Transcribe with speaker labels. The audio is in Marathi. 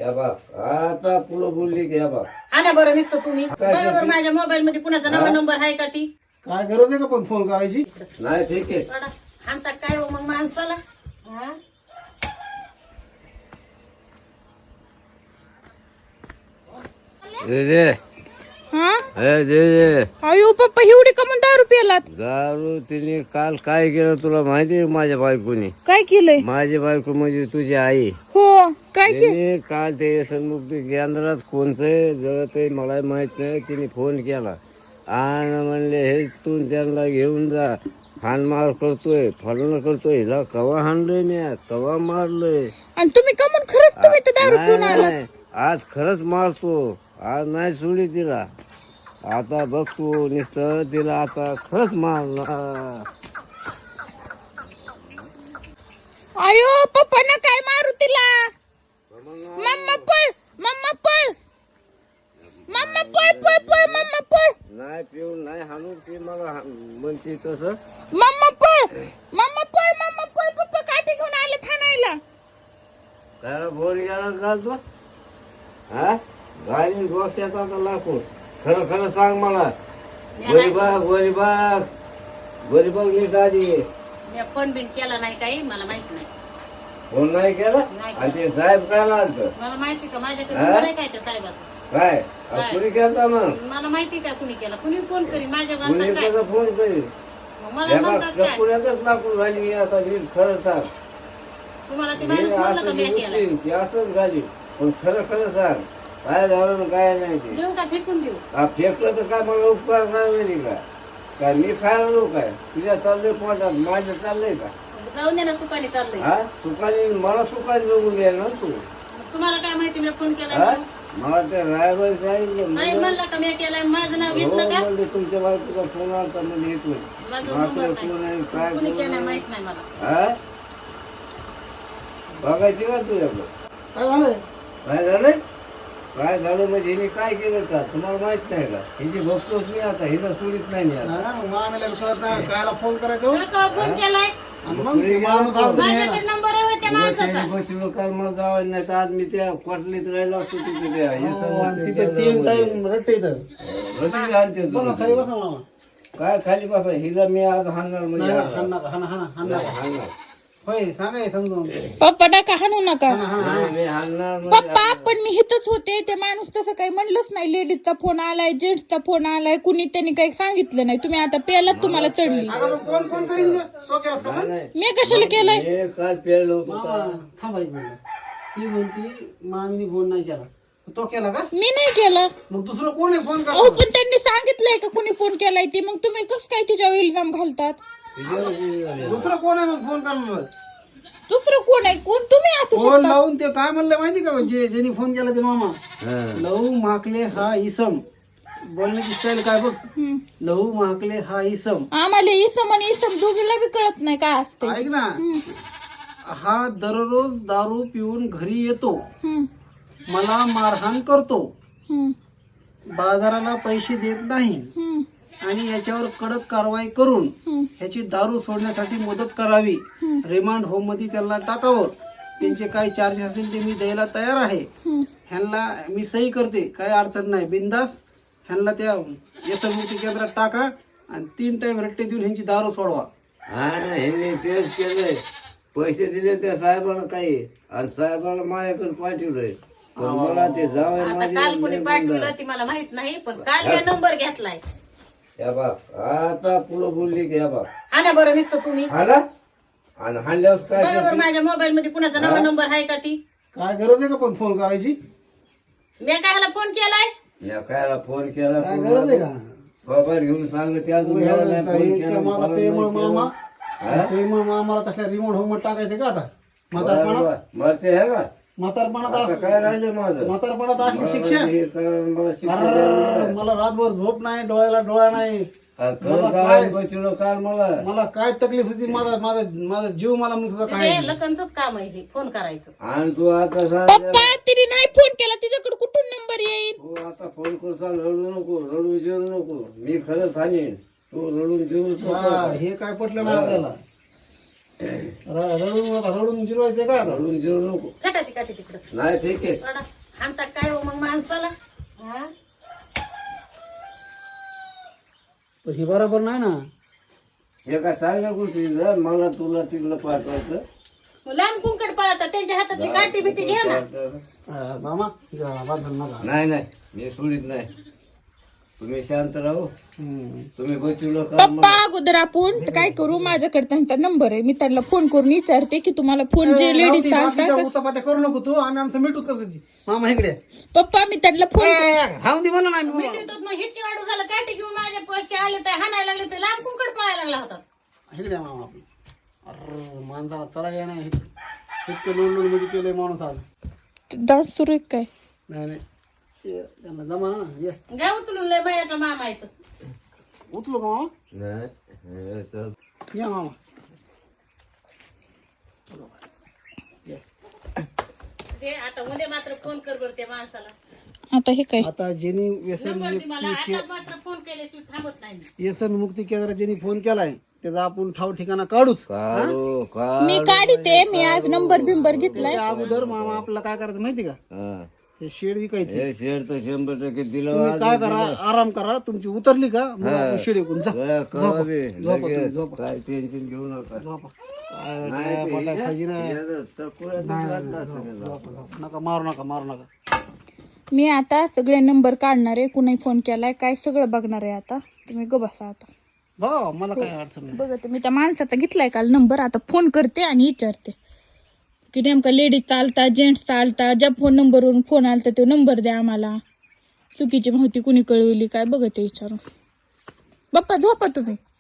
Speaker 1: या बाप आता पुढं बोलली की या बाप
Speaker 2: हा ना बरं नुसतं तुम्ही बरोबर माझ्या मोबाईल मध्ये कुणाचा नवा नंबर आहे का ती
Speaker 3: काय गरज आहे का पण फोन करायची?
Speaker 1: नाही ठीक आहे.
Speaker 2: थोडा आणता काय हो मग माणसाला हा?
Speaker 1: दे दे
Speaker 4: हा
Speaker 1: दे दे
Speaker 4: अयो पप्पा एवढी का म्हणून दारू प्यालात?
Speaker 1: दारू तिने काल काय केलं तुला माहिती आहे माझ्या बायकोने?
Speaker 4: काय केलंय?
Speaker 1: माझी बायको म्हणजे तुझी आई.
Speaker 4: हो काय केलं?
Speaker 1: तिने काल ते सन्मुक्ती केंद्रात कोणचं जळत आहे मला माहित नाही. तिने फोन केला आणि म्हणले हे तू त्यांना घेऊन जा हाणमार करतोय फळणं करतोय. हिला कवा हाणलोय मी कवा मारलोय.
Speaker 4: आणि तुम्ही का म्हणून खरंच तुम्ही तर दारू पिऊन
Speaker 1: नाही,
Speaker 4: आलात?
Speaker 1: नाही. आज खरंच मारतो. आज नाही सोडी तिला. आता बघ तू नुसतं तिला आता खरंच मारणार.
Speaker 4: अयो पप्पा ना काय मारू तिला? मम्मा पळ मम्मा पळ मम्मा पळ पळ पळ मम्मा पळ
Speaker 1: नाही पिऊन नाही हाणून ती मला म्हणते तसं.
Speaker 4: मम्मा पळ मम्मा पळ पप्पा काठी घेऊन आले ठाण्याला.
Speaker 1: त्याला फोन गेला का तू? हा घालीन डोक्याचा लाकूड. खरं खरं सांग मला. गरीबाग नीट आधी
Speaker 2: मी फोन बिन केला नाही काही मला माहित नाही.
Speaker 1: फोन नाही केला
Speaker 2: नाही
Speaker 1: आणि ते साहेब काय आलत
Speaker 2: मला माहिती का माझ्याकडे
Speaker 1: हा?
Speaker 2: नंबर आहे काय त्या साहेबाचा
Speaker 1: काय कुणी केलता मग?
Speaker 2: मला माहिती का कुणी केला कुणी फोन करी माझ्या
Speaker 1: कुणी
Speaker 2: म्हणतात काय
Speaker 1: कसा फोन करील?
Speaker 2: मग मला म्हणतात काय
Speaker 1: पुण्यातच लाकूड घाली आता नीट खरं सांग.
Speaker 2: तुम्हाला ते
Speaker 1: हे
Speaker 2: माणूस म्हणलं
Speaker 1: असं
Speaker 2: का मी केला
Speaker 1: गोष्टी, ती असंच घाली पण खरं खरं सांग काय झालं ना काय नाही ते.
Speaker 2: देऊ का फेकून देऊ
Speaker 1: हा फेकलं तर काय मला उपकार नाही का? काय मी खायला लो काय? तुझ्या चाललंय पोटात माझं चाललंय का?
Speaker 2: जाऊन दे ना सुखाने चाललंय
Speaker 1: हा सुखाने मला सुखाने जगून द्या ना तू.
Speaker 2: तुम्हाला काय माहिती मी फोन
Speaker 1: हा
Speaker 2: केला
Speaker 1: मला ते रायबाई सांगितलं
Speaker 2: साहेब म्हणला का मी केलाय माझं नाव
Speaker 1: हो
Speaker 2: घेतलं का
Speaker 1: म्हणले तुमच्या बायकोचा फोन आलता म्हणजे येतोय.
Speaker 2: माझं
Speaker 1: मात्र
Speaker 2: नंबर
Speaker 1: कोण आहे
Speaker 2: नाही
Speaker 1: काय
Speaker 2: कुणी
Speaker 1: कोण
Speaker 2: केलाय
Speaker 1: आहे?
Speaker 2: माहित नाही मला
Speaker 1: हा बघायची का तुझ्याकडं?
Speaker 3: काय झालंय?
Speaker 1: काय झालंय? काय झालं म्हणजे हिने काय केलं का तुम्हाला माहित नाही का? हिची बघतोच मी आता हिला सोडित नाही मी आता.
Speaker 3: नाही ना, मग मामाला कळत नाही कायला फोन करायचा हो?
Speaker 2: तुला का फोन केलाय
Speaker 3: आणि मग ते माणूस आला तर न्यायला.
Speaker 2: माझ्याकडे नंबर आहे त्या माणसाचा
Speaker 1: बसलो काल मला जावं नाही तर आज मी त्या क्वाटलीत राहिलो असतो तिथे त्या हे
Speaker 3: हो, आणि तिथे
Speaker 1: सगळं
Speaker 3: 3 टाइम रट्टे इथं.
Speaker 1: रस्सी घालते तू.
Speaker 3: बघा खाली बसा मामा.
Speaker 1: काय खाली बसा हिला मी आज हाणणार म्हणजे
Speaker 3: नाही,
Speaker 1: हाणणार.
Speaker 3: हाण नका, हाण, हाण, हाण
Speaker 1: नाही,
Speaker 3: नका.
Speaker 1: हाणणार.
Speaker 3: होय सांगा हे समजून.
Speaker 4: पप्पा नका हाणू नका.
Speaker 1: नाही, मी हाणणार म्हणजे
Speaker 4: पप्पा पण मी हिथच होते ते माणूस तसं काही म्हणलंच नाही. लेडीजचा फोन आलाय जेंट्सचा फोन आलाय कुणी त्यांनी काही सांगितलं नाही. तुम्ही आता पेलात तुम्हाला चढली.
Speaker 3: अगं मग कोण फोन करीन गं? तो केलास का
Speaker 1: नाही,
Speaker 3: फोन?
Speaker 1: नाही.
Speaker 4: मी कशाला केलंय?
Speaker 1: हे काल पेरलो होतो
Speaker 3: मामा
Speaker 1: का?
Speaker 3: थांबा एक मिनिट. ती म्हणती मामीने फोन नाही केला. तो केला का?
Speaker 4: मी नाही केला.
Speaker 3: मग दुसरं कोण आहे फोन
Speaker 4: अहो
Speaker 3: करतो?
Speaker 4: पण त्यांनी सांगितलंय का कुणी फोन केलाय ते मग तुम्ही कस काय तिच्यावर इल्जाम घालतात?
Speaker 3: दुसरं कोण आहे मग फोन करणार?
Speaker 4: दुसरं कोण आहे? कोण तुम्ही असू
Speaker 3: फोन
Speaker 4: शकता?
Speaker 3: लावून ते काय म्हणलं माहिती का ज्यांनी फोन केला ते मामा?
Speaker 1: हा.
Speaker 3: लहू माकले हा इसम. बोलण्याची स्टाईल काय बघ.
Speaker 4: हम्म.
Speaker 3: लहू माकले हा इसम.
Speaker 4: आम्हाला इसम आणि इसम दोघीला बी कळत नाही काय असते.
Speaker 3: ऐक ना, हा दररोज दारू पिऊन घरी येतो, मला मारहाण करतो, बाजाराला पैसे देत नाही आणि याच्यावर कडक कारवाई करून ह्याची दारू सोडण्यासाठी मदत करावी. रिमांड होम मध्ये त्याला टाकावं. त्यांचे काही चार्जेस असेल ते मी द्यायला तयार आहे. ह्यांना मी सही करते काही अडचण नाही बिंदास. ह्यांना त्या यशमुक्ती केंद्रात टाका आणि 3 टाइम रट्टे देऊन ह्यांची दारू सोडवा.
Speaker 1: हा ना ह्यांनी तेच केलंय. पैसे दिले त्या साहेबाला काही आणि साहेबाला माझ्याकडे पाठवलंय पण मला ते जावं
Speaker 2: आता काल कुणी पाठवलं ती मला माहित नाही पण काल मी नंबर घेतलाय
Speaker 1: या बाप आता पुढं बोलली की या बाप
Speaker 2: हा ना बरं नुसतं तुम्ही
Speaker 1: आला आणि हाणल्यावर काय
Speaker 2: बरोबर
Speaker 1: करते?
Speaker 2: माझ्या मोबाईल मध्ये कुणाचा नवा नंबर आहे का ती
Speaker 3: काय गरज आहे का पण फोन करायची?
Speaker 2: मी काय फोन केलाय
Speaker 1: या कायला फोन केला
Speaker 3: काय गरज आहे का?
Speaker 1: बाबा घेऊन सांगते अजून मला नाही फोन केला,
Speaker 3: मला
Speaker 1: मला
Speaker 3: प्रेमळ
Speaker 1: नाही
Speaker 3: मामा
Speaker 1: केला.
Speaker 3: प्रेमळ मामाला तसल्या रिमोट होम टाकायचं का आता? म्हातारपणात
Speaker 1: बरं, मरते आहे का
Speaker 3: म्हातारपणात
Speaker 1: आता काय राहिलं माझं
Speaker 3: म्हातारपणात असली शिक्षा.
Speaker 1: हे करा, मला शिक्षा द्यावी
Speaker 3: अर्र, मला रातभर झोप नाही, डोळ्याला डोळा नाही.
Speaker 1: आणि खरं जावं बसलो काल मला
Speaker 3: मला काय तकलीफ होती. माझा माझा माझा जीव मला म्हणत होता काय.
Speaker 2: ते लखनच काम आहे हे फोन करायचं
Speaker 1: आणि तू आता सांग
Speaker 4: पप्पा तिने नाही फोन केला तिच्याकडे कुठून नंबर येईल?
Speaker 1: तू आता फोन करून सांग रडू नको रडू जेवू नको मी खरं सांगेन तू रडून जेवूच
Speaker 3: हा,
Speaker 1: नको
Speaker 3: हे काय पटलं नाही आपल्याला. रडून जिरवायचं का आता?
Speaker 1: रडून जेवू नको.
Speaker 2: काटाची काठी तिकडं
Speaker 1: नाही ठीक आहे.
Speaker 2: रडा. आणता काय हो मग माणसाला हा?
Speaker 3: पण हे बरोबर नाही ना.
Speaker 1: हे काय चांगल्या गोष्टी ना, मला तुला तिकडं पाठवायचं.
Speaker 2: मग लांब कुंकड पळतात त्यांच्या हातातली काठी बिटी घ्या ना.
Speaker 3: मामा बांधून नका.
Speaker 1: नाही नाही मी सोडित नाही. तुम्ही शांत राहू. तुम्ही बसवलं का
Speaker 4: पप्पा अगोदर आपण काय करू, माझ्याकडे त्यांचा नंबर आहे, मी त्यांना फोन करून विचारते की तुम्हाला फोन जे लेडीज चालतात.
Speaker 3: उचापात्या करू नको तू. आम्ही आमचं मिठू कसं ती. मामा इकडे
Speaker 4: पप्पा मी त्यांना फोन
Speaker 3: राहून दे म्हणा ना आम्ही.
Speaker 2: भेटतो मग इतकी वाढू झालं काठी घेऊन माझ्या पैसे आले तर हाणायला लागले तर लांब कुंकड पळायला लागला होता.
Speaker 3: इकडे मामा आपलं. अरे माणसाला चला या नाही. इतकं लोण मध्ये केलंय माणूस आज.
Speaker 4: डान्स सुरू आहे काय?
Speaker 3: नाही नाही ये, त्यांना जमा ना. ये
Speaker 2: घ्या उचलून लय बायाचा मामा येतो.
Speaker 3: उचलो का मामा?
Speaker 1: नाही हे तर
Speaker 3: या मामा.
Speaker 2: ते आता उद्या मात्र फोन कर बरं त्या माणसाला.
Speaker 4: आता हे काय?
Speaker 3: आता ज्यांनी व्यसन
Speaker 2: नंबर ती मला आता मात्र फोन केल्याशिवाय थांबत नाही मी.
Speaker 3: व्यसन मुक्ती केंद्रात ज्यांनी फोन केलाय त्याचा आपण ठाव ठिकाणा काढूच.
Speaker 1: काढू का
Speaker 4: मी काढते, मी आज नंबर बिंबर घेतलाय.
Speaker 3: त्याच्या अगोदर मामा आपल्याला काय करायचं माहिती का?
Speaker 1: हा.
Speaker 3: हे शेड विकायचे.
Speaker 1: हे शेअर तर 100% दिलं.
Speaker 3: तुम्ही काय करा, आराम करा. तुमची उतरली का मग आपण शेड विकून जा.
Speaker 1: कवा बी लगेच
Speaker 3: झोपा.
Speaker 1: काय टेन्शन घेऊ नका.
Speaker 3: झोपा. काय
Speaker 1: नाही ते
Speaker 3: पटाय पाहिजे ना.
Speaker 1: याचं तकुळ्याचं घातलं असेल याला.
Speaker 3: नका मारू नका मारू नका.
Speaker 4: मी आता सगळे नंबर काढणार आहे, कुणी फोन केलाय काय सगळं बघणार आहे. आता तुम्ही ग बसा. आता
Speaker 3: बघा मला काय अडचण नाही.
Speaker 4: बघा, मी त्या माणसाचा घेतलाय काल नंबर, आता फोन करते आणि विचारते की नेमका लेडीज चालता जेंट्स चालता, ज्या फोन नंबरवरून फोन आलता तो नंबर द्या आम्हाला, चुकीची माहिती कुणी कळवली काय बघते विचारून. बाप्पा झोपा तुम्ही.